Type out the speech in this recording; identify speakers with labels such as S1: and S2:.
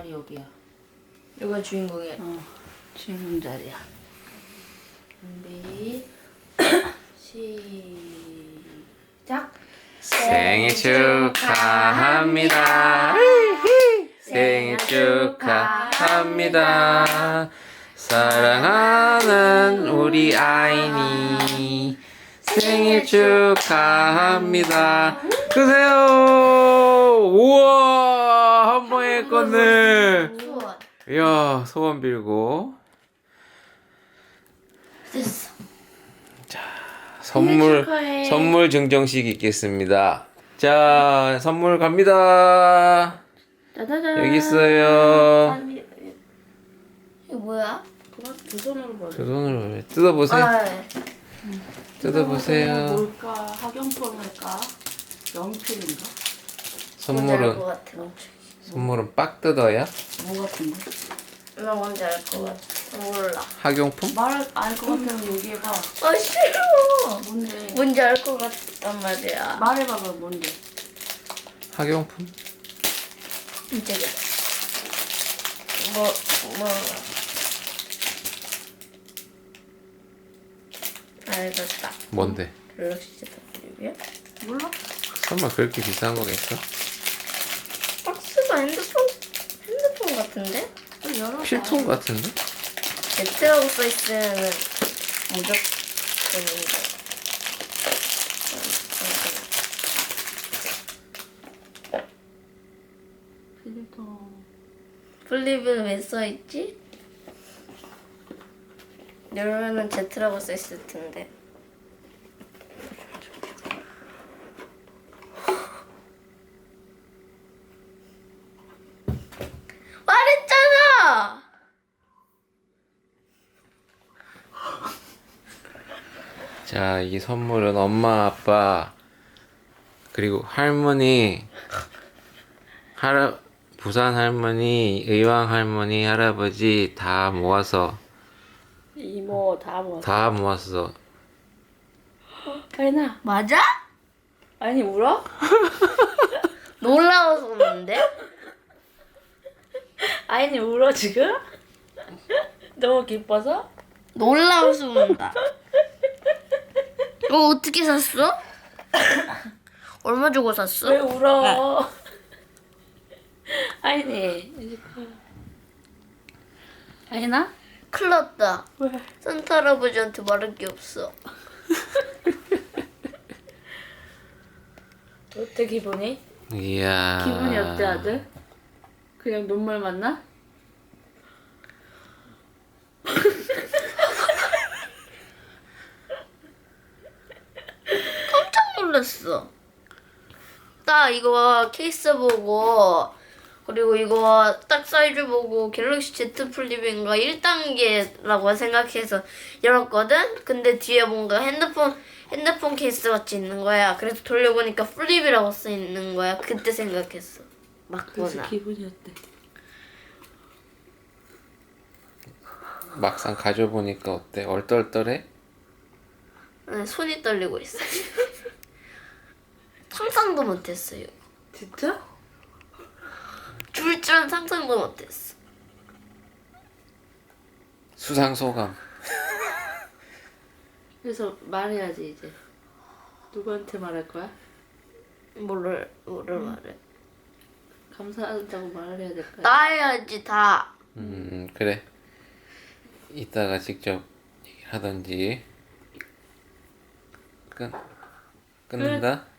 S1: 자리 여기야. 여기가 주인공이야.
S2: 주인공 자리야.
S1: 준비. 시작.
S3: 생일 축하합니다. 생일 축하합니다. 사랑하는 우리 아이니 생일 축하합니다. 끄세요. 우와, 한 번에 껐네.
S1: 소원.
S3: 이야, 소원 빌고.
S1: 됐어.
S3: 선물 증정식 있겠습니다. 자, 선물 갑니다.
S2: 짜자잔.
S3: 여기 있어요.
S1: 이거 뭐야?
S2: 그만 두 손으로 벌.
S3: 저 손으로 뜯어보세요.
S1: 네.
S3: 뜯어보세요.
S2: 뭘까? 학용품일까? 연필인가?
S1: 뭔지 알 것
S3: 선물은
S1: 같아.
S3: 선물은 빡 뜯어야?
S2: 뭐 같은 거?
S1: 나 뭔지 알 것 같아. 몰라.
S3: 학용품?
S2: 말을 알 것 같으면 얘기해봐.
S1: 아 싫어.
S2: 뭔데?
S1: 뭔지 알 것 같단 말이야.
S2: 말해봐봐 뭔데?
S3: 학용품?
S1: 이제 뭐. 알겠다.
S3: 뭔데?
S1: 갤럭시 Z
S2: 몰라?
S3: 설마 그렇게 비싼 거겠어?
S1: 박스가 핸드폰 같은데?
S2: 열어봐.
S3: 필통 같은데?
S1: Z라고 써있으면 무조건인데.
S2: 필통.
S1: 플립은 왜 써있지? 열면은 Z라고 써있을 텐데. 말했잖아!
S3: 자, 이 선물은 엄마, 아빠, 그리고 할머니, 부산 할머니, 의왕 할머니, 할아버지 다 모아서
S2: 이모 다 모았어. 아이나.
S1: 맞아?
S2: 아니 울어?
S1: 놀라워서 그러는데?
S2: 아이니 울어 지금? 너무 기뻐서?
S1: 놀라워서 운다. 이거 어떻게 샀어? 얼마 주고 샀어?
S2: 왜 울어? 아이니 이제 아이나?
S1: 큰일 났다.
S2: 왜?
S1: 산타 할아버지한테 말할 게 없어.
S2: 어때 기분이?
S3: 이야.
S2: 기분이 어때 아들? 그냥 눈물 맞나?
S1: 깜짝 놀랐어. 나 이거 케이스 보고 그리고 이거 딱 사이즈 보고 갤럭시 Z 플립인가 1단계라고 생각해서 열었거든? 근데 뒤에 뭔가 핸드폰 케이스 같이 있는 거야. 그래서 돌려보니까 플립이라고 써있는 거야. 그때 생각했어.
S2: 그래서
S1: 맞구나.
S2: 기분이 어때?
S3: 막상 가져보니까 어때? 얼떨떨해?
S1: 네, 손이 떨리고 있어. 상상도 못했어요.
S2: 진짜?
S1: 줄 줄은 상상도 못했어.
S3: 수상 소감.
S2: 그래서 말해야지 이제. 누구한테 말할 거야?
S1: 뭐를 말해?
S2: 감사하다고 말을 해야 될 거야.
S1: 나 해야지 다.
S3: 그래. 이따가 직접 얘기를 하던지. 끊는다?